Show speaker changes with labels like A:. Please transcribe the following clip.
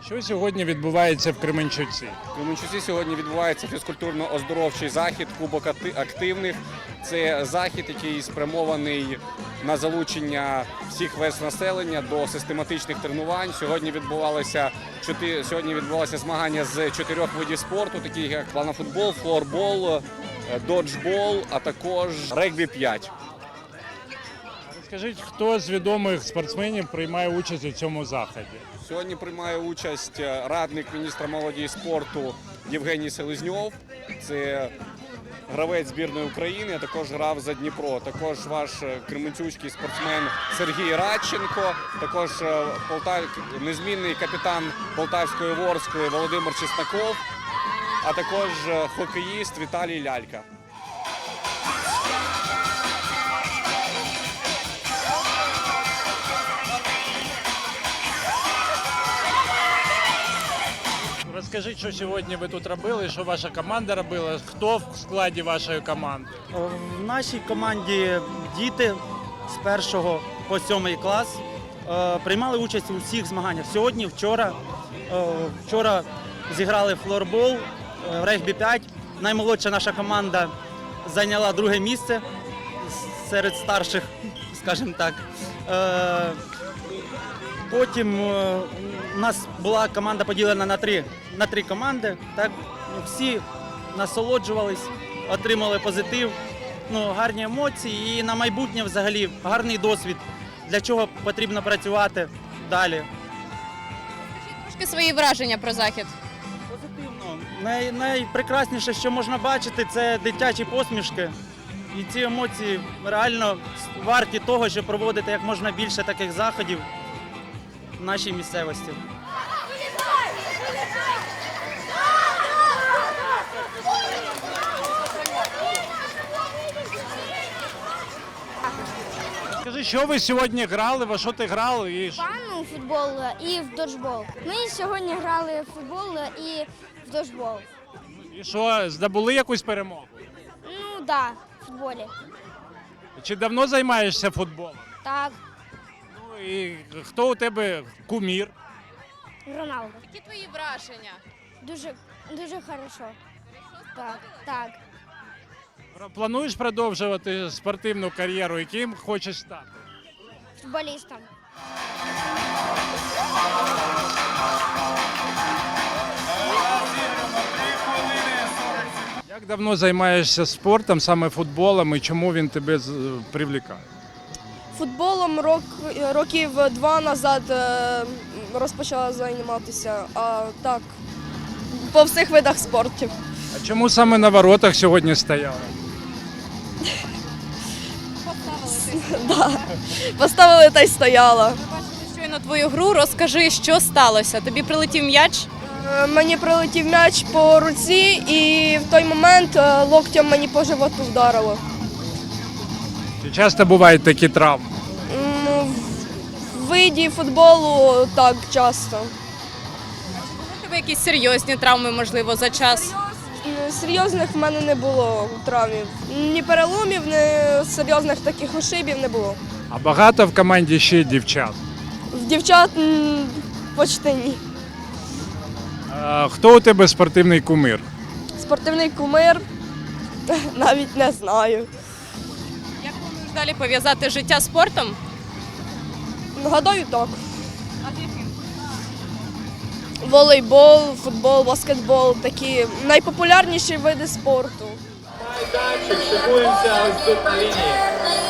A: Що сьогодні відбувається в Кременчуці?
B: В Кременчуці сьогодні відбувається фізкультурно-оздоровчий захід «Кубок активних». Це захід, який спрямований на залучення всіх верств населення до систематичних тренувань. Сьогодні відбувалося змагання з 4 видів спорту, такі як планофутбол, флорбол, доджбол, а також регбі-5.
A: Скажіть, хто з відомих спортсменів приймає участь у цьому заході?
B: Сьогодні приймає участь радник міністра молоді і спорту Євгеній Селезньов. Це гравець збірної України, а також грав за Дніпро. Також ваш кременчуцький спортсмен Сергій Радченко, також незмінний капітан Полтавської Ворскли Володимир Чесноков, а також хокеїст Віталій Лялька.
A: Розкажіть, що сьогодні ви тут робили, що ваша команда робила, хто в складі вашої команди?
C: В нашій команді діти з 1 по 7 клас приймали участь у всіх змаганнях. Сьогодні, вчора зіграли флорбол, регбі-5. Наймолодша наша команда зайняла 2 місце серед старших, скажімо так. Потім у нас була команда поділена на три команди. Так? Всі насолоджувались, отримали позитив, гарні емоції і на майбутнє взагалі гарний досвід, для чого потрібно працювати далі.
D: Трошки свої враження про захід.
C: Позитивно. Найпрекрасніше, що можна бачити, це дитячі посмішки. І ці емоції реально варті того, щоб проводити як можна більше таких заходів в нашій місцевості.
A: Скажи, що ви сьогодні грали, во що ти грали?
E: Пану в футбол і в доджбол. Ми сьогодні грали в футбол і в доджбол.
A: І що, здобули якусь перемогу?
E: Ну да, в футболі.
A: Чи давно займаєшся футболом?
E: Так,
A: Ну і хто у тебе кумір?
E: Роналдо.
D: Які твої враження?
E: Дуже хорошо. Так, так.
A: Плануєш продовжувати спортивну кар'єру, яким хочеш стати?
E: Футболістом.
A: Як давно займаєшся спортом, саме футболом, і чому він тебе привлікає?
F: Футболом років 2 назад розпочала займатися, а так, по всіх видах спорту.
A: А чому саме на воротах сьогодні стояла?
F: Поставили та й стояла.
D: Ми бачили щойно твою гру. Розкажи, що сталося? Тобі прилетів м'яч?
F: Мені прилетів м'яч по руці і в той момент локтем мені по животу вдарило.
A: Чи часто бувають такі травми?
F: В виді футболу так часто.
D: У тебе якісь серйозні травми, можливо, за час?
F: Серйозних в мене не було травмів. Ні переломів, ні серйозних таких ушибів не було.
A: А багато в команді ще дівчат?
F: В дівчат почти ні.
A: А хто у тебе спортивний кумир?
F: Спортивний кумир навіть не знаю.
D: Як плануєш далі пов'язати життя з спортом?
F: Гадаю, так.
D: А з яким?
F: Волейбол, футбол, баскетбол – такі найпопулярніші види спорту.
G: Майданчик, шикуємося ось тут на лінії.